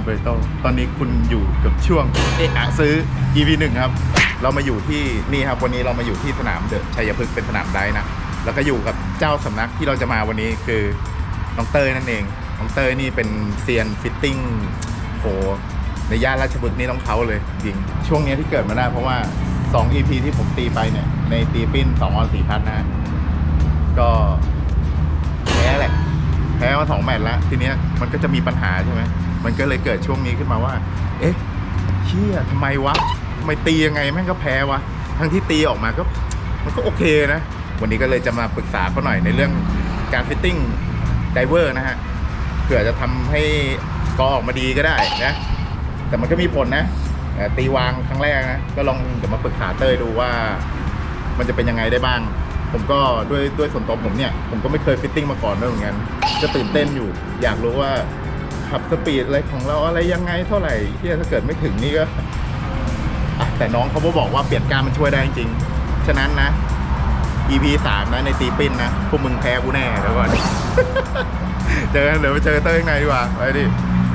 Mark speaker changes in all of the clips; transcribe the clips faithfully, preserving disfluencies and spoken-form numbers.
Speaker 1: เบอร์โตตอนนี้คุณอยู่กับช่วงเอะอะซื้อ อี พี หนึ่งครับเรามาอยู่ที่นี่ครับวันนี้เรามาอยู่ที่สนามเดอะชัยพฤกษ์เป็นสนามไดฟ์นะแล้วก็อยู่กับเจ้าสำนักที่เราจะมาวันนี้คือน้องเต้ยนั่นเองน้องเต้ยนี่เป็นเซียนฟิตติ้งโหในย่านราชบุรีนี่ต้องเขาเลยจริงช่วงนี้ที่เกิดมาได้เพราะว่าสอง อี พี ที่ผมตีไปเนี่ยในตีปิ้นสองออนสี่พัดนะก็แพ้แหละแพ้มาสองแมตช์แล้วทีเนี้ยมันก็จะมีปัญหาใช่ไหมมันก็เลยเกิดช่วงนี้ขึ้นมาว่าเอ๊ะเชี่ยทำไมวะทำไมตียังไงแม่งก็แพ้วะทั้งที่ตีออกมาก็มันก็โอเคนะวันนี้ก็เลยจะมาปรึกษาเขาหน่อยในเรื่องการฟิตติ้งไดเวอร์นะฮะเผื่อจะทำให้กอออกมาดีก็ได้นะแต่มันก็มีผลนะตีวางครั้งแรกนะก็ลองเดี๋ยวมาปรึกษาเต้ยดูว่ามันจะเป็นยังไงได้บ้างผมก็ด้วยด้วยส่วนตัวผมเนี่ยผมก็ไม่เคยฟิตติ้งมาก่อนด้วยเหมือนกันจะตื่นเต้นอยู่อยากรู้ว่าขับสปีดอะไรของเราอะไรยังไงเท่าไหร่ที่ถ้าเกิดไม่ถึงนี่ก็แต่น้องเขาบอกว่าเปลี่ยนการมันช่วยได้จริงฉะนั้นนะ อี พี สามนะในตีปิ้นนะพวกมึงแพ้กูแน่เดี๋ยวก่อน เจอกันเดี๋ยวไปเจอเต้ยข้างในดีกว่าไปดิ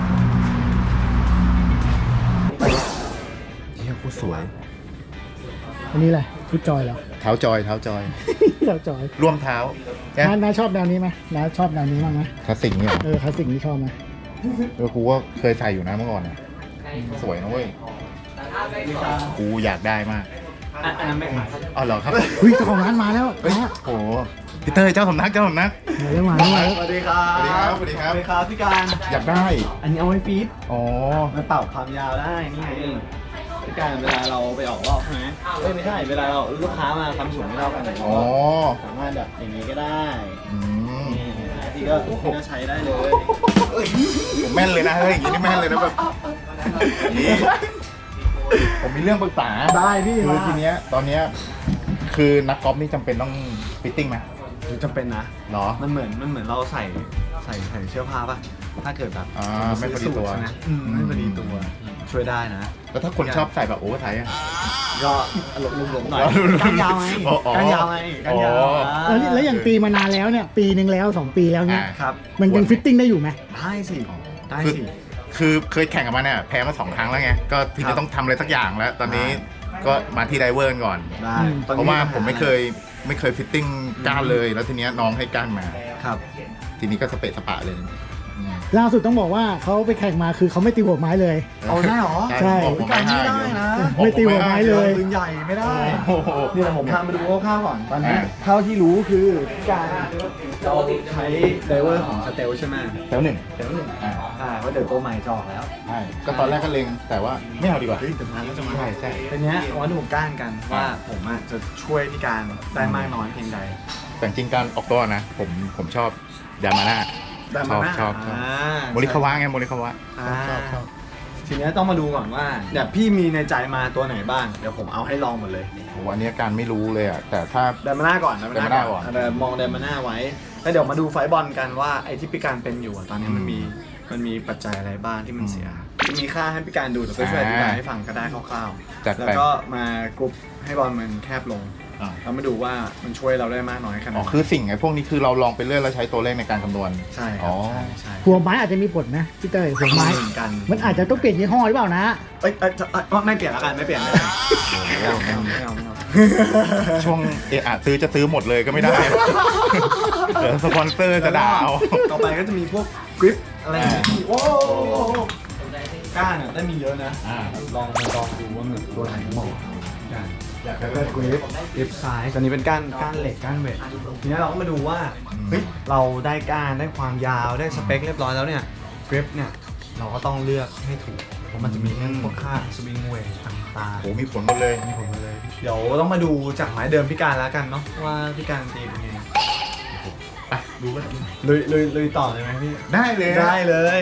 Speaker 1: เฮียกูสวย
Speaker 2: อันนี้แหละฟุตจอยเหรอ
Speaker 1: เท้าจอยเท้าจอย
Speaker 2: เท้าจอย
Speaker 1: ร่วมเท้า
Speaker 2: น้าน้าชอบแนวนี้ไหมน้าชอบแนวนี้บ้างไหม
Speaker 1: คลาสสิกเนี่ย
Speaker 2: เออคลาสสิกนี่ชอบไหม
Speaker 1: เออกูว่าเคยใส่อยู่นะเมื่อก่อนนะสวยนะเว้ยกูอยากได้มาก
Speaker 3: อันนั้นไม่ขาย
Speaker 1: อ๋อเหรอครับ
Speaker 2: เฮ้ยเจ้าของร้านมาแล้ว
Speaker 1: โอ้โหพี่เต้ยเจ้าสำนักเจ้าสำนัก
Speaker 2: มาแล้วมาแล้ว
Speaker 3: สวัสดีครับ
Speaker 1: สวัสดีครับสวัสดีครับ
Speaker 3: สวัสดีครับพี่การ
Speaker 1: อยากได้
Speaker 3: อันนี้เอาไว้ฟีด
Speaker 1: อ๋อ
Speaker 3: มันเป่าความยาวได้นี่ไงพี่การเวลาเราไปออกรอบใช่ไหมเอ้ยไม่ใช่เวลาเราลูกค้ามาทำสูงไม่เท่ากันอ๋อสามารถแบบอย่างนี้ก็ได้
Speaker 1: อืม
Speaker 3: ที่ก็ที่ก็ใช้ได้เลย
Speaker 1: ผมแม่นเลยนะเฮ้ยอย่างนี้นี่แม่นเลยนะแบบนี่ผมมีเรื่องปรึกษา
Speaker 2: ได้พี่
Speaker 1: คือทีเนี้ยตอนเนี้ยคือนักกอล์ฟนี่จำเป็นต้องฟิตติ้งไหม
Speaker 3: จำเป็นนะ
Speaker 1: หรอ
Speaker 3: มันเหมือนมันเหมือนเราใส่ใส่ใส่เสื้อผ้าป่ะถ้าเกิดแบบ
Speaker 1: อ่าไม่พอดีตัว
Speaker 3: นะไม่พอดีตัวช่วยได้นะ
Speaker 1: แล้วถ้าคนชอบใส่แบบโอเวอร์ไซส์อ่ะ
Speaker 3: ก็หลบหลบหน่อยกันยาวไงกันยาวไงกันยาว
Speaker 2: แล้วแล้วอย่างตีมานานแล้วเนี่ยปีนึงแล้วสองปีแล้วเนี่ย
Speaker 3: ครับ
Speaker 2: มันยังฟิตติ้งได้อยู่ไหม
Speaker 3: ได้สิได้สิ
Speaker 1: คือเคยแข่งกับมันเนี่ยแพ้มาสองครั้งแล้วไงก็ทีนี้ต้องทำอะไรสักอย่างแล้วตอนนี้ก็มาที่ไดเวอร์ก่อน
Speaker 3: ได้
Speaker 1: เพราะว่าผมไม่เคยไม่เคยฟิตติ้งก้านเลยแล้วทีนี้น้องให้ก้านมา
Speaker 3: ครับ
Speaker 1: ทีนี้ก็สเปะสปะเลย
Speaker 2: ล่าสุดต้องบอกว่าเขาไปแข่งมาคือเขาไม่ตีหัวไม้เลย
Speaker 3: เอาได้หรอ
Speaker 2: ใช่
Speaker 3: การไม่ได้นะ
Speaker 2: ไม่ตีหัวไม้เลย
Speaker 3: ปืนใหญ่ไม่ได้นี่ผมพามาดูคร่าวๆก่อนตอนนี้เท่าที่รู้คือการเราใช้ไดเวอร์ของสเตลใช่ไหม
Speaker 1: สเตลหนึ่ง
Speaker 3: สเตลหนึ่งอ่าว่าเดี๋ยวตัวใหม่จอกแล้ว
Speaker 1: ใช่ก็ตอนแรกก็เล็งแต่ว่าไม่เอาดีกว่า
Speaker 3: เฮ้ยแต่พันก็จะมา
Speaker 1: ใช่ใช่
Speaker 3: ทีนี้วันดูก้านกันว่าผมจะช่วยพี่การได้มากน้อยเพียงใด
Speaker 1: แต่จริงการออกตัวนะผมผมชอบยามาน่าชอบชอบชอบโมริคาวะไงโมริคาวะชอบชอบ
Speaker 3: ทีนี้ต้องมาดูก่อนว่าเดี๋ยวพี่มีในใจมาตัวไหนบ้างเดี๋ยวผมเอาให้ลองหมดเลย
Speaker 1: โอ้วันนี้การไม่รู้เลยอ่ะแต่ถ้า
Speaker 3: เดมาน่าก่อนเดมาน่าก่อนมองเดมาน่าไว้แล้วเดี๋ยวมาดูไฟบอลกันว่าไอ้ที่พี่การเป็นอยู่ตอนนี้มันมีมันมีปัจจัยอะไรบ้างที่มันเสียจะมีค่าให้พี่การดูแต่ก็ช่วยอธิบายให้ฟังก็ได้คร่าวๆแล้วก็มากรุ๊ปให้บอลมันแคบลงเรามาดูว่ามันช่วยเราได้มากน้อยขนาดไหนอ๋อ
Speaker 1: คือสิ่งไอ้พวกนี้คือเราลองไปเรื่อยแล้วใช้ตัวเลขในการคำนวณ
Speaker 3: ใช่อ๋อใช่
Speaker 2: หัวไม้อาจจะมีผลนะพี่เต้ยหัวไม้มันอาจจะต้องเปลี่ยนยี่ห้อหรือเปล่านะ
Speaker 3: เอ้ยไม่เปลี่ยนแล้วกันไม่เปลี่ยนไม่เอาไม่เอาไม่เอาไม่เอา
Speaker 1: ช่วงเอะซื้อจะซื้อหมดเลยก็ไม่ได้เดี๋ยวสปอนเซอร์จะด่าเอา
Speaker 3: ต่อไปก็จะมีพวกกริปอะไรโอ้ก้านเนี่ยได้มีเยอะนะลองลองดูว่ามันตัวไหนเหมาะกันแล้วก็กริปกริปไซส์อันนี้เป็นก้านก้านเหล็กก้านเวททีนี้เราก็มาดูว่าเฮ้ยเราได้ก้านได้ความยาวได้สเปคเรียบร้อยแล้วเนี่ยกริปเนี่ยเราก็ต้องเลือกให้ถูกเพราะมันจะมีเรื่องพวกค่าสวิงเวทต่างๆ
Speaker 1: โอ้มีผลหมดเลย
Speaker 3: มีผลหมดเลยเดี๋ยวต้องมาดูจากไม้เดิมพี่การแล้วกันเนาะว่าพี่การตีเป็นยังไง
Speaker 1: อ่ะดูกัน
Speaker 3: เลยเลยเลยต่อเลยไหมพี่
Speaker 1: ได้เลย
Speaker 3: ได้เลย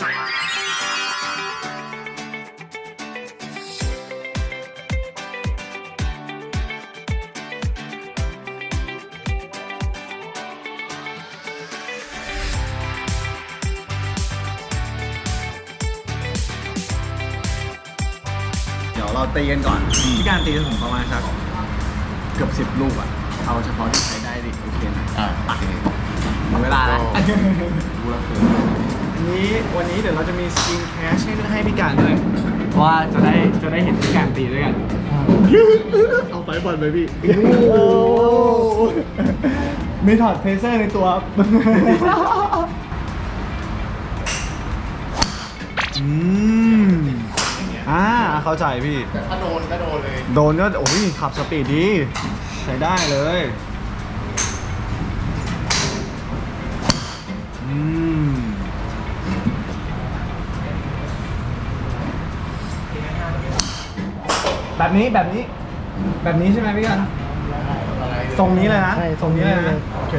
Speaker 3: เดี๋ยวเราตีกันก่อนพี่การตีถึงประมาณสักเกือบสิบลูกอ่ะเอาเฉพาะที่ใช้ได้ดิโอเคไหม
Speaker 1: อ่าโอเค
Speaker 3: หมดเวลาแล้วดูแล้วคืออันนี้วันนี้เดี๋ยวเราจะมีสกินแคชให้ให้พี่การด้วยเพราะว่าจะได้จะได้เห็นพี่การตีด้วยกัน เอาไปบอลไปพี่
Speaker 2: โอ้
Speaker 3: มีถอดเพเซอร์ในตัวอืมอ่าเข้าใจพี่
Speaker 1: ถ้าโดนก็โดนเลย
Speaker 3: โดนก็โอ้ยขับสปีดดีใช้ได้เลยอืมแบบนี้แบบนี้ แบบนี้ใช่ไหมพี่กันทรงนี้เลยนะ
Speaker 2: ใช่ทรงนี้เลย
Speaker 3: โอเค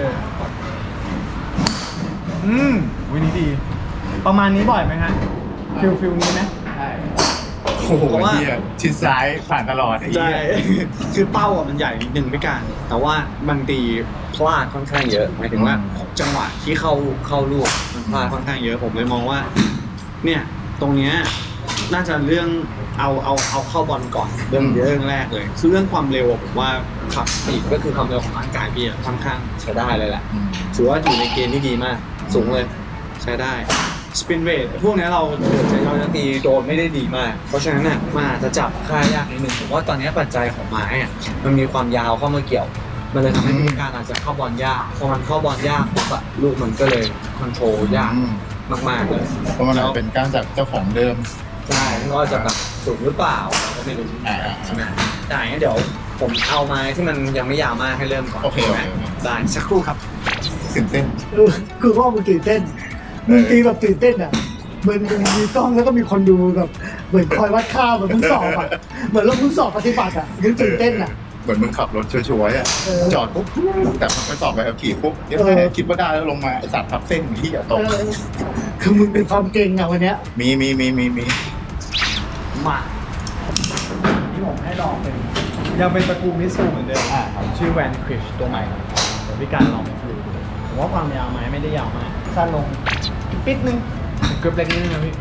Speaker 3: อืมวินี้ดี ประมาณนี้บ่อยไหมฮะฟิลฟิลนี้ไหม
Speaker 1: โอ้โหเหี้ยชิดซ้ายผ่านตลอดไอ้เหี้ย
Speaker 3: คือเป้าอ่ะมันใหญ่นิดนึงไม่การแต่ว่าบางทีพลาดค่อนข้างเยอะหมายถึงว่าจังหวะที่เข้าเข้าลูกมันพลาดค่อนข้างเยอะผมเลยมองว่า เนี่ยตรงเนี้ยน่าจะเรื่องเอาเอาเอาเข้าบอลก่อนเรื่องเรื่องแรกเลยคือเรื่องความเร็วผมว่าขับปีกก็คือความเร็วของร่างกายพี่อะค่อนข้างใช้ได้เลยแหละถือว่าอยู่ในเกณฑ์ที่ดีมากสูงเลยใช้ได้สปินเรทพวกนี้เราใช้เราจะตีโดนไม่ได้ดีมากเพราะฉะนั้นน่ะมันอาจจะจับค่ายากนิดนึงผมว่าตอนนี้ปัจจัยของไม้อะมันมีความยาวเข้ามาเกี่ยวมันเลยทำให้มีการอาจจะเข้าบอลยากพอมันเข้าบอลยากปุ๊บอะลูกมันก็เลยคอนโทรลยากมากๆเลย
Speaker 1: เพราะมันอาจเป็นการจากเจ้าของเดิม
Speaker 3: ใช่ก็จะแบบสูงหรือเปล่าเราก็ไม่รู้
Speaker 1: อ่า
Speaker 3: ใช่ไหมได้งั้นเดี๋ยวผมเอาไม้ที่มันยังไม่ยาวมากให้เริ่มก่อน
Speaker 1: โอเคโอเค
Speaker 3: ได้สักครู่ครับ
Speaker 1: ตื่นเต้น
Speaker 2: เออคือว่ามึงตื่นเต้นมึงตีแบบตื่นเต้นอ่ะเหมือนมึงมีกล้องแล้วก็มีคนดูแบบเหมือนคอยวัดค่าเหมือนมึงสอบอ่ะเหมือนเรามึงสอบปฏิบัติอ่ะยังตื่นเต้นอ่ะ
Speaker 1: เหมือนมึงขับรถชัวร์ๆอ่ะ
Speaker 2: เออ
Speaker 1: จอดปุ๊บแต่มันไปสอบไปขับขี่ปุ๊บเดี๋ยวแม่คิดว่าได้แล้วลงมาไอ้สัตว์ทับเส้นที่อย่าตก
Speaker 2: เออคือมึงเป็นความเก่งอ่ะวันเนี้ย
Speaker 1: มีมีมีมีมี
Speaker 3: มาที่ผมให้ลองเป็นยังเป็นตระกูลมิสซูเหมือนเดิมอ่าชื่อแวนคริชตัวใหม่เดี๋ยวพี่การลองดูผมว่าความยาวไม้ไม่ได้ยาวมากสั้นลงปิดนึงเกือบเล็กนิดนึงนะพี่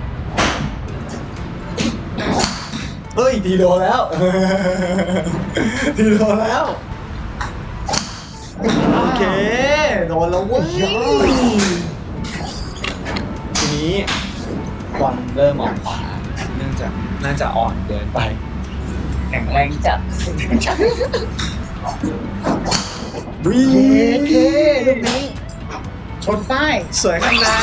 Speaker 3: เฮ้ยทีโดนแล้ว ทีโดนแล้วโอเคโดนแล้วเว้ยทีนี้บอลเริ่มออกขวาเนื่องจากน่าจะอ่อนเกินไปแข็งแรงจัดวี
Speaker 2: เคลูกนี้ชนป้าย
Speaker 3: สวยข้างใน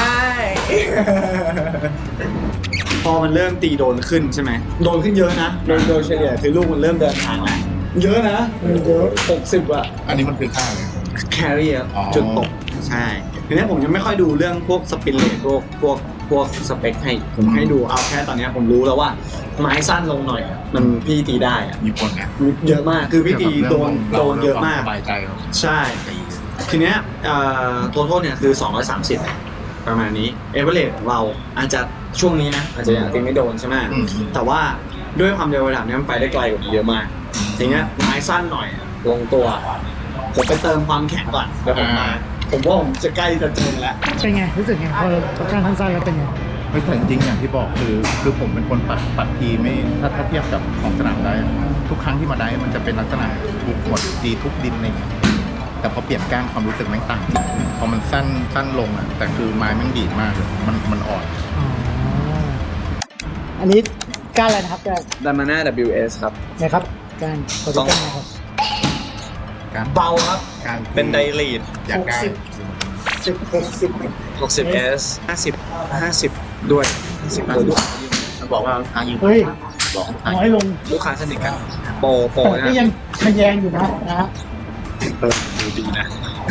Speaker 3: พอมันเริ่มตีโดนขึ้นใช่ไหมโดนขึ้นเยอะนะโดยโดยเฉลี่ยคือลูกมันเริ่มเดินทางแล้วเยอะนะเยอะหกสิบอะ
Speaker 1: อันนี้มันคือค่าเลย
Speaker 3: แครี่อะ
Speaker 1: อ๋อ
Speaker 3: จุดตกใช่ทีนี้ผมยังไม่ค่อยดูเรื่องพวกสปินเลทพวกพวกพวกสเปคให้ผมให้ดูเอาแค่ตอนนี้ผมรู้แล้วว่าไม้สั้นลงหน่อยอะมันพี่ตีได้อะ
Speaker 1: มีคนเนี่ย
Speaker 3: เยอะมากคือพี่ตีโดนโดนเยอะมาก
Speaker 1: สบายใจเรา
Speaker 3: ใช่ ทีเนี้ยตัวโทษเนี่ยคือสองร้อยสามสิบประมาณนี้เอเวอเรสของเราอาจจะช่วงนี้นะอาจจะยังตีไม่โดนใช่ไหมแต่ว่าด้วยความเร็วระดับนี้มันไปได้ไกลกว่านี้เยอะมากทีเนี้ยไม้สั้นหน่อยลงตัวผมไปเติมความแข็งก่อนแล้วผมมาผมว่าผมจะใกล้จะเจอแล้ว
Speaker 2: เป็นไงรู้สึกไงพอเราการทั้งสั้นแล้วเป็นไง
Speaker 1: ไม่แต่จริงๆอย่างที่บอกคือคือผมเป็นคนปัดปัดทีไม่ถ้าถ้าเทียบกับของสนามได้อะทุกครั้งที่มาได้มันจะเป็นลักษณะทุกหมดดีทุกดินอะไรอย่างเงี้ยแต่พอเปลี่ยนก้านความรู้สึกแม่งต่างจริงพอมันสั้นสั้นลงอ่ะแต่คือไม้แม่งดีดมากเลยมันมันอ่อน
Speaker 2: อ๋ออันนี้การอะไรนะครับการ
Speaker 3: ดามาน่า ดับเบิลยู เอส ครับ
Speaker 2: นะครับการขอดูกันนะครับ
Speaker 1: การ
Speaker 3: เบาครับ
Speaker 1: การ
Speaker 3: เป็นไดลีด
Speaker 1: อยากได้
Speaker 2: หกสิบ สิบหกสิบ
Speaker 3: หกสิบ เอส ห้าสิบ ห้าสิบด้วยห้าสิบด้วยลูก
Speaker 1: มันบอกว่าทางยิง
Speaker 2: เฮ้ย
Speaker 1: บอกทาง
Speaker 2: น้อยลง
Speaker 3: ลูกค้าสนิทกันโปรโปร
Speaker 2: แต่
Speaker 3: นะ
Speaker 2: ก็ยังทะแยงอยู่นะนะฮะ
Speaker 3: เออดูดีนะ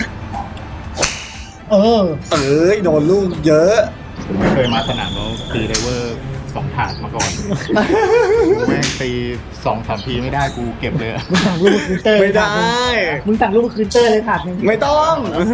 Speaker 2: เออ
Speaker 3: เอ้ยโดนลูกเยอะ
Speaker 1: ผมไม่เคยมาสนามแล้วตีไดเวอร์สองถาดมาก่อนแม่งตีสองสามทีไม่ได้กูเก็บเลยอะ
Speaker 2: มึงสั่งรูปคืนเตอร์
Speaker 3: ไม่ได้
Speaker 2: มึงสั่งรูปคืนเตอร์เลยถาดหนึง
Speaker 3: ไม่ต้อง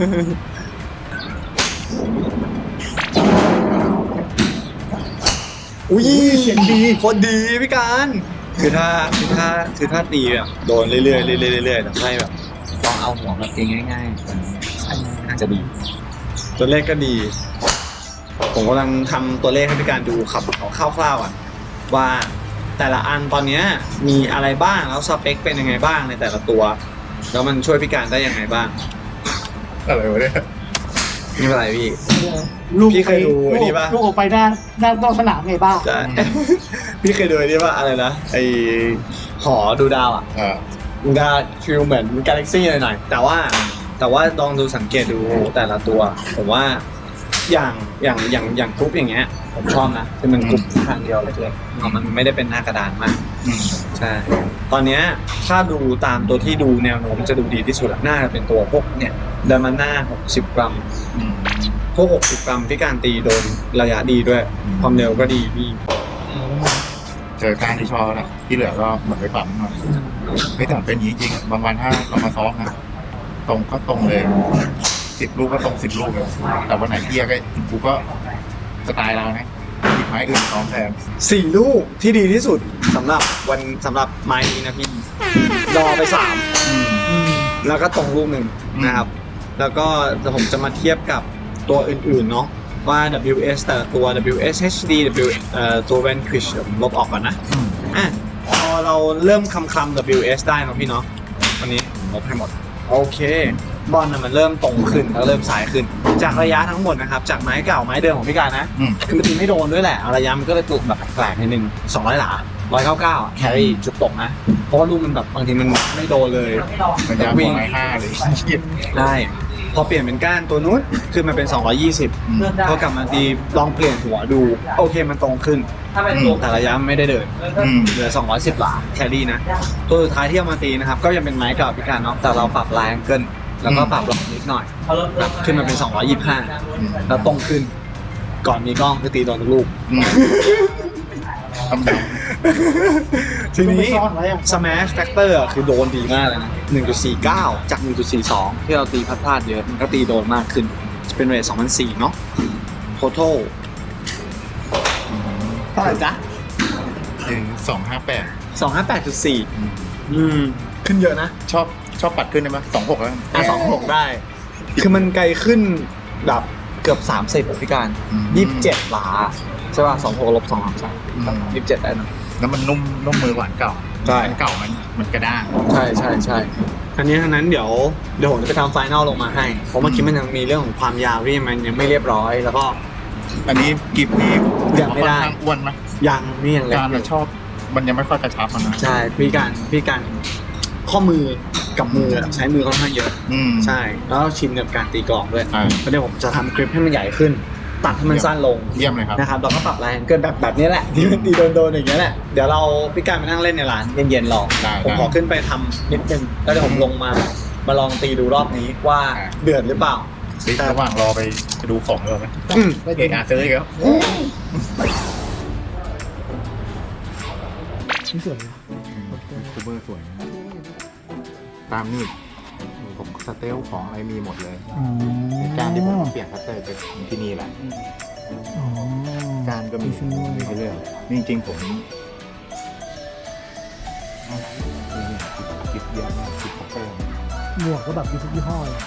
Speaker 3: อุ้ยเสียงดีโคตรดีพี่การคือถ้าคือถ้าคือถ้าตีแบบโดนเรื่อยๆเรื่อยๆเรื่อยๆแต่ให้แบบลองเอาหัวมาตีง่ายๆอาจจะดี ตัวเลขก็ดี ผมกำลังทำตัวเลขให้พี่การดูขับเอาคร่าวๆอ่ะว่าแต่ละอันตอนนี้มีอะไรบ้างแล้วสเปคเป็นยังไงบ้างในแต่ละตัวแล้วมันช่วยพี่การได้ยังไงบ้าง
Speaker 1: อะไรวะเนี่ย
Speaker 3: ไม่เป็นไรพี่
Speaker 2: ลูก
Speaker 3: พี่เคยดูไอ้นี่ปะ
Speaker 2: ลูกออกไปหน้าหน้านอกสนามไงบ้า
Speaker 3: ใช่ พี่เคยดูไอ้นี่ว่าอะไรนะไอหอดูดาวอ่ะ
Speaker 1: เออ
Speaker 3: ดูดาวฟิลเหมือนกาแล็กซี่หน่อยๆแต่ว่าแต่ว่าลองดูสังเกตดูแต่ละตัวผมว่าอย่างอย่างอย่างอย่างกรุ๊ปอย่างเงี้ยผมชอบนะคือมันกรุ๊ปทางเดียวเลยๆมันไม่ได้เป็นหน้ากระดานมาก
Speaker 1: อืม
Speaker 3: ใช่ ตอนเนี้ยถ้าดูตามตัวที่ดูแนวโน้มจะดูดีที่สุดอะน่าจะเป็นตัวพวกเนี่ยเดอร์มาน่าหกสิบกรัม
Speaker 1: อืม
Speaker 3: พวกหกสิบกรัมที่การตีโดนระยะดีด้วย ความเร็วก็ดีพี่
Speaker 1: เจอการที่ชอบแหละที่เหลือก็เหมือนไปปั๊มหน่อยไม่แต่เป็นอย่างนี้จริงบางวันถ้าเรามาซ้อมนะตรงก็ตรงเลยสิบลูกก็ตรงสิบลูกเลยแต่วันไหนเกียร์ก็กูก็สไตล์เรานะหยิบไม้อื่นซ้อมแทน
Speaker 3: สี่ลูกที่ดีที่สุดสำหรับวันสำหรับไม้นี้นะพี่รอไปสาม
Speaker 1: อืม
Speaker 3: แล้วก็ตรงลูกหนึ่งนะครับ แล้วก็ผมจะมาเทียบกับตัวอื่นๆเนาะว่า ดับเบิลยู เอส แต่ละตัว ดับเบิลยู เอส เอช ดี W เอ่อตัว Vanquish ผมลบออกก่อนนะ
Speaker 1: อืม
Speaker 3: อ่ะพอเราเริ่มคำคำ ดับเบิลยู เอส ได้เนาะพี่เนาะวันนี้ลบให้หมดโอเคบอลน่ะมันเริ่มตรงขึ้นแล้วเริ่มสายขึ้น จากระยะทั้งหมดนะครับจากไม้เก่าไม้เดิมของพี่การนะ
Speaker 1: อืม
Speaker 3: คือมันตีไม่โดนด้วยแหละระยะมันก็เลยตุกแบบแปลกๆนิดนึงสองร้อยหลาร้อยเก้าเก้าแครี่จุดตกนะเพราะว่าลูกมันแบบบางทีมันไม่โดนเลย
Speaker 1: มันยาวกว่าไม้ห้าเลย
Speaker 3: ได้พอเปลี่ยนเป็นก้านตัวนู้นขึ้นมาเป็นสองร้อยยี่สิบ
Speaker 1: อืม
Speaker 3: พอกลับมาตีลองเปลี่ยนหัวดูโอเคมันตรงขึ้น
Speaker 1: อืม
Speaker 3: แต่ระยะไม่ได้เดิน
Speaker 1: อืม
Speaker 3: เหลือสองร้อยสิบหลาแครี่นะตัวสุดท้ายที่เอามาตีนะครับก็ยังเป็นไม้เก่าพิการเนาะแต่เราปรับลายแองเกิลแล้วก็ปรับลองนิดหน่อยแบบขึ้นมาเป็นสองร้อยยี่สิบห้าแล้วตรงขึ้น ก่อนมีกล้องคือตีโดนทุกลูก
Speaker 1: อืมทำแบบ
Speaker 3: ทีนี้
Speaker 2: ไปซ่อนไว้อะ
Speaker 3: Smash Factor อะคือโดนดีมากเลยนะ หนึ่งจุดสี่เก้า จาก หนึ่งจุดสี่สอง ที่เราตีพลาดๆเยอะ มันก็ตีโดนมากขึ้น จะเป็นเรทสองพันสี่ร้อยเนาะ Total เท่าไหร่จ๊ะ
Speaker 1: ถึงสองห้าแปด
Speaker 3: สองห้าแปดจุดสี่ อืม ขึ้นเยอะนะ
Speaker 1: ชอบชอบปัดขึ้นได้ไหมสองหกแล้วกัน
Speaker 3: อ่ะสองหกได้ คือมันไกลขึ้นแบบเกือบสามสิบพี่การ
Speaker 1: อืม
Speaker 3: ยี่สิบเจ็ดหลา ใช่ป่ะสองหกลบสองสาม
Speaker 1: อืม
Speaker 3: ยี่สิบเจ็ดได้นะ
Speaker 1: แล้วมันนุ่มนุ่มมือกว่าอันเก่า
Speaker 3: ใช่
Speaker 1: อันเก่ามันมันกระด้าง
Speaker 3: ใช่ใช่ใช่อันนี้ทั้งนั้นเดี๋ยวเดี๋ยวผมจะไปทำไฟนอลลงมาให้ เพราะเมื่อกี้มันยังมีเรื่องของความยาวที่มันยังไม่เรียบร้อย แล้วก็
Speaker 1: อันนี้กิบนี้
Speaker 3: ยังไม่ได้
Speaker 1: ค่อนข้างอ้วนไหม
Speaker 3: ยังนี่ยังเล็ก
Speaker 1: การ
Speaker 3: อ
Speaker 1: เรา
Speaker 3: ยู่
Speaker 1: ชอบ มันยังไม่ค่อยกระชับมันนะ
Speaker 3: ใช่พี่การพี่การข้อมือกับมือใช้มือค่อนข้างเยอะ
Speaker 1: อืม
Speaker 3: ใช่ แล้วชินกับการตีกลองด้วย
Speaker 1: อ่า
Speaker 3: แล้วเดี๋ยวผมจะทำคลิปให้มันใหญ่ขึ้น ตัดให้มันสั้นลง
Speaker 1: เยี่ยมเลยครับ
Speaker 3: นะครับแล้วก็ปรับแรงเกินแบบแบบนี้แหละที่มันตีโดนๆอย่างเงี้ยแหละเดี๋ยวเราพี่การไปนั่งเล่นในร้านเย็นๆรอ
Speaker 1: ได้
Speaker 3: ผมขอขึ้นไปทำนิดนึงแล้วเดี๋ยวผมลงมามาลองตีดูรอบนี้ว่าเดือดหรือเปล่า
Speaker 1: เฮ้ยระหว่างรอไปดูของเลยไหม
Speaker 3: อืม
Speaker 1: เอกอาซื้ออีกแล้ว
Speaker 2: นี่สวยนะ
Speaker 1: ซูเปอร์สวยนะตามนี่ผมสเตลของอะไรมีหมดเลย
Speaker 2: อ๋อ
Speaker 1: การที่ผมเปลี่ยนคัตเตอร์จะที่นี่แหละ
Speaker 2: อ๋อ
Speaker 1: การก็มี
Speaker 2: ที่นี่
Speaker 1: มีให้เลือกนี่จริงๆผมนี่เนี่ยคิดเยอะมากคิดคัตเตอร์
Speaker 2: หมวกก็แบบมีทุกยี่ห้อเลย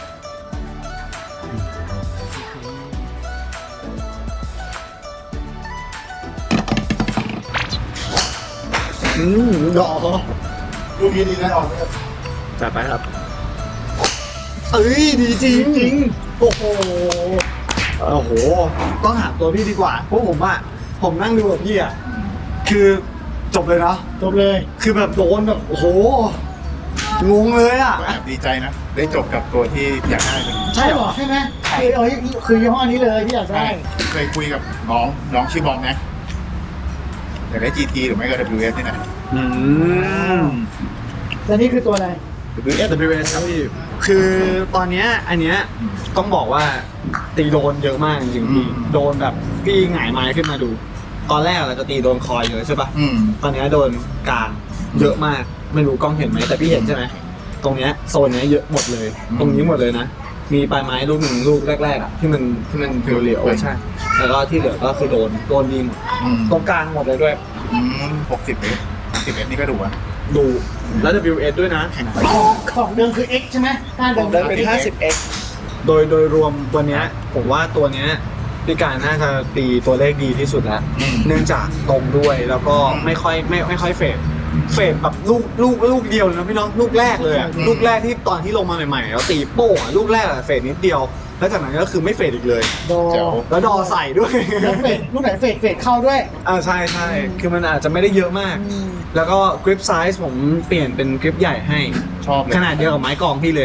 Speaker 3: อืมดอก
Speaker 1: ดูดีดีนะออกเลย
Speaker 3: จัดไปครับ เอ้ยดีจริงจริงโอ้โหโอ้โหต้องหาตัวพี่ดีกว่าเพราะผมอะผมนั่งดูกับพี่อะคือจบเลยนะ
Speaker 2: จบเลย
Speaker 3: คือแบบโดนแบบโอ้โหงงเลยอะ
Speaker 1: ก็แอบดีใจนะ ได้จบกับตัวที่อยากได้เป็น
Speaker 3: ใช่เหรอ
Speaker 2: ใช่ไหมคือเอ้ยคือยี่ห้อนี้เลยที่อยาก
Speaker 1: ใช่
Speaker 2: ได้
Speaker 1: เคยคุยกับน้องน้องชื่อบอมนะอยากได้ จี ที หรือไม่ก็ ดับเบิลยู เอส นี่นะ
Speaker 3: อืม
Speaker 2: แล้วนี่คือตัวอะไร
Speaker 1: ดับเบิลยู เอส
Speaker 3: ดับเบิลยู เอส ครับพี่คือตอนเนี้ยอันเนี้ยต้องบอกว่าตีโดนเยอะมากจริงๆพี่โดนแบบพี่หงายไม้ขึ้นมาดู ตอนแรกเราจะตีโดนคอยเลยใช่ปะ
Speaker 1: อืม
Speaker 3: ตอนเนี้ยโดนกลางเยอะมากไม่รู้กล้องเห็นไหมแต่พี่เห็นใช่ไหมตรงเนี้ยโซนเนี้ยเยอะหมดเลย ตรงนี้หมดเลยนะมีปลายไม้ลูกหนึ่งลูกแรกๆอ่ะที่มันที่มันเหลวๆใช่แล้วก็ที่เหลือก็คือโดนโดนดีหมด
Speaker 1: อืม
Speaker 3: ตรงกลางหมดเลยด้วย
Speaker 1: อืมหกสิบเอสสิบเอสนี่ก็ดูอ่ะ
Speaker 3: ดูแล้ว ดับเบิลยู เอส ด้วยนะ
Speaker 2: ของเดิมคือ X ใช่ไหมก้านเดิม
Speaker 3: ได้เป็น ห้าสิบเอ็กซ์ โดยโดยรวมวันเนี้ยผมว่าตัวเนี้ยพี่การน่าจะตีตัวเลขดีที่สุดแล้ว
Speaker 1: อืม
Speaker 3: เนื่องจากตรงด้วยแล้วก็ไม่ค่อยไม่ไม่ค่อยเฟดเฟดแบบลูกลูกลูกเดียวเลยนะพี่น้องลูกแรกเลยอะ
Speaker 1: อืม
Speaker 3: ลูกแรกที่ตอนที่ลงมาใหม่ๆแล้วตีโป้งอะลูกแรกอะเฟดนิดเดียวแล้วจากนั้นก็คือไม่เฟดอีกเลย
Speaker 2: ดอ
Speaker 1: เจ๋ว
Speaker 3: แล้วดอใส่ด้วย
Speaker 2: แล้วเฟดลูกไหนเฟดเฟดเข้าด้วย
Speaker 3: อ่าใช่ใช่คือมันอาจจะไม่ได้เยอะมาก
Speaker 2: อืม
Speaker 3: แล้วก็กริปไซส์ผมเปลี่ยนเป็นกริปใหญ่ให้
Speaker 1: ชอบเลย
Speaker 3: ขนาดเดียวกับไม้กองพี่เลย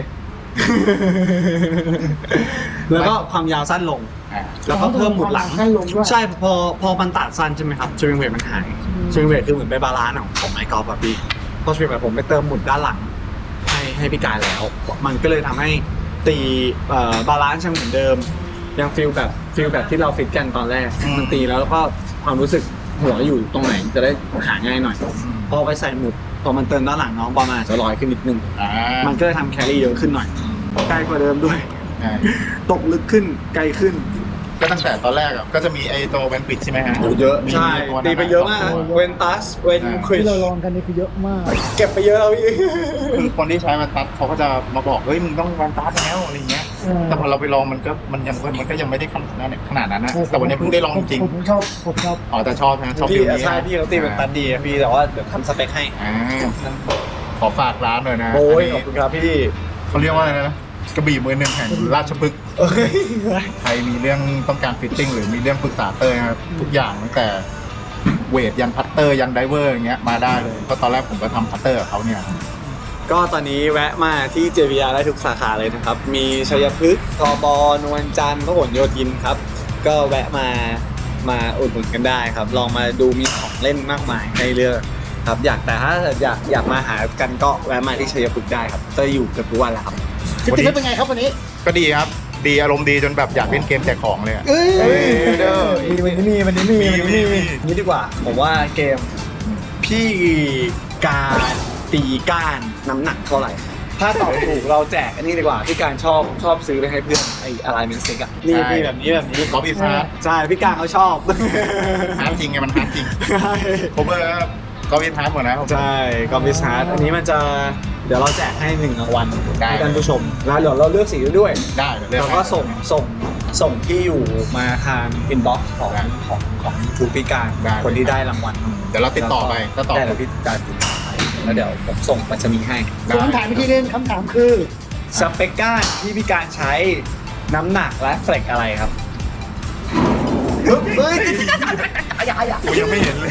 Speaker 3: แล้วก็ความยาวสั้นลง
Speaker 1: อ่า
Speaker 3: แล้วก็เพิ่มหมุดหลัง
Speaker 2: ให้ลงด้วย
Speaker 3: ใช่พอพอมันตัดสั้นใช่ไหมครับสวิงเวทมันหาย
Speaker 2: อืม
Speaker 3: สวิงเวทคือเหมือนไปบาลานซ์ของของไม้กอล์ฟแบบพี่พอสวิงเวทผมไปเติมหมุดด้านหลัง ให้ให้พี่กายแล้ว มันก็เลยทำให้ตีเอ่อบาลานซ์ยังเหมือนเดิม ยังฟีลแบบฟีลแบบที่เราฟิตกันตอนแรก
Speaker 1: อืม
Speaker 3: มันตีแล้วแล้วก็ความรู้สึกหัวอยู่ตรงไหนจะได้หาง่ายหน่อย พอไปใส่หมุดพอมันเติมด้านหลังน้องบอลมันอาจจะลอยขึ้นนิดนึง
Speaker 1: อ่า
Speaker 3: มันก็เลยทำแครี่เยอะขึ้นหน่อยไกลกว่าเดิมด้วย
Speaker 1: ใช่
Speaker 3: ตกลึกขึ้นไกลขึ้น
Speaker 1: ก็ตั้งแต่ตอนแรกอ่ะก็จะมีไอ้ตัวแวนปิดใช่ไหมฮะ
Speaker 3: เยอะ
Speaker 1: มี
Speaker 3: ใช่
Speaker 1: ตัวนั้น
Speaker 3: ตีไปเยอะมาก
Speaker 1: สงตัว
Speaker 3: เวนตัสเวนคริส
Speaker 2: ที่เราลองกันนี่คือเยอะมาก
Speaker 3: เก็บไปเยอะแล้วพี่
Speaker 1: คือคนที่ใช้แวนตัสเขาก็จะมาบอกเฮ้ยมึงต้องแวนตัสแล้วอะไรเงี้ย
Speaker 2: เออ
Speaker 1: แต่พอเราไปลองมันก็มันยังมันก็ยังไม่ได้ขนาดนั้นขนาดนั้นนะแต่วันนี้เพิ่งได้ลองจริง
Speaker 2: ผมชอบผมชอบ
Speaker 1: อ๋อแต่ชอบนะชอบ
Speaker 3: พี่
Speaker 1: ฟิลนี้
Speaker 3: ใช่พี่เขาตีเป็นตันดีอะพี่แต่ว่าเดี๋ยวทำสเปคให้
Speaker 1: อ่าขอฝากร้านหน่อยนะ
Speaker 3: โอ้ย
Speaker 1: น
Speaker 3: ขอบ
Speaker 1: นี้
Speaker 3: คุณครับพี่
Speaker 1: เขาเรียกว่าอะไรนะกระบี่มือหนึ่งแห่งราชพฤกษ์
Speaker 3: เอ้ย
Speaker 1: ใครมีเรื่องต้องการฟิตติ้งหรือมีเรื่องปรึกษาเตอร์นะครับทุกอย่างตั้งแต่เวทยันพัตเตอร์ยันไดเวอร์อย่างเงี้ยมาได้เลยเพราะตอนแรกผมก็ทำพัตเตอร์กับเขาเนี่ย
Speaker 3: ก็ตอนนี้แวะมาที่ เจ วี อาร์ ได้ทุกสาขาเลยนะครับ มีชัยพฤกษ์ทบนวลจันทร์พหลโยธินครับ ก็แวะมามาอุดหนุนกันได้ครับ ลองมาดูมีของเล่นมากมายให้เลือกครับอยากแต่ถ้าอยากอยากมาหากันก็แวะมาที่ชัยพฤกษ์ได้ครับจะอยู่เกือบทุกวันแหละครับ
Speaker 2: ฟิตติ้งเป็นไงครับวันนี้
Speaker 1: ก็ดีครับ ดีอารมณ์ดีจนแบบอยากเล่นเกมแจกของเลยอะ
Speaker 2: เอ้ย
Speaker 1: เอ้ยเด้อ
Speaker 3: มีวันนี้มีวันนี้มี
Speaker 1: มี
Speaker 3: วันนี้มี
Speaker 1: มี
Speaker 3: นี่ดีกว่า ผมว่าเกมพี่การตีก้านน้ำหนักเท่าไหร่ ถ้าตอบถูกเราแจกอันนี้ดีกว่าพี่การชอบชอบซื้อไปให้เพื่อนไอ้อะไรเมนสติกอะนี่มีแบบนี้แบบนี้
Speaker 1: กอล์ฟอีสฮาร์ด
Speaker 3: ใช่พี่การเขาชอบ
Speaker 1: ฮาร์ดจริงไงมันฮาร์ดจริงผมเออกอล์ฟอีสฮาร์ดหมดนะผม
Speaker 3: ใช่กอมบิสฮาร์ดอันนี้มันจะเดี๋ยวเราแจกให้หนึ่งรางวัล
Speaker 1: ได้
Speaker 3: ให้ท่านผู้ชมแล้วเดี๋ยวเราเลือกสีด้วย
Speaker 1: ได้เดี๋ยวเลือก
Speaker 3: แล้วก็ส่งส่งส่งที่อยู่มาทางอินบ็อกซ์ของ
Speaker 1: ได้
Speaker 3: ของของทูพิการ
Speaker 1: ได้
Speaker 3: คนที่ได้รางวัล
Speaker 1: เดี๋ยวเราติดต่อไปก็ต่อ
Speaker 3: ได้เดี๋ยวพี่จะติดต่อไปแล้วเดี๋ยวผมส่งไปรษณีย์ให้
Speaker 2: ส่วนคำถามอีกทีนึงคำถามคือ
Speaker 3: สเปกก้านที่พี่การใช้น้ำหนักและเฟลกอะไรครับเฮ้ย
Speaker 1: กูยังไม่เห็นเลย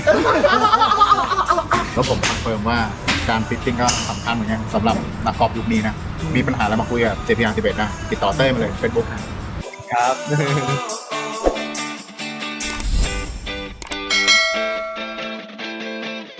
Speaker 1: แล้วผมคอนเฟิร์มว่าการฟิตติ้งก็สำคัญเหมือนกันสำหรับนักกอล์ฟยุคนี้นะ มีปัญหาอะไรมาคุยกับ เจ พี อาร์ สิบเอ็ดนะ ติดต่อเต้ยมาเลยเฟซบุ๊ก
Speaker 3: ครับ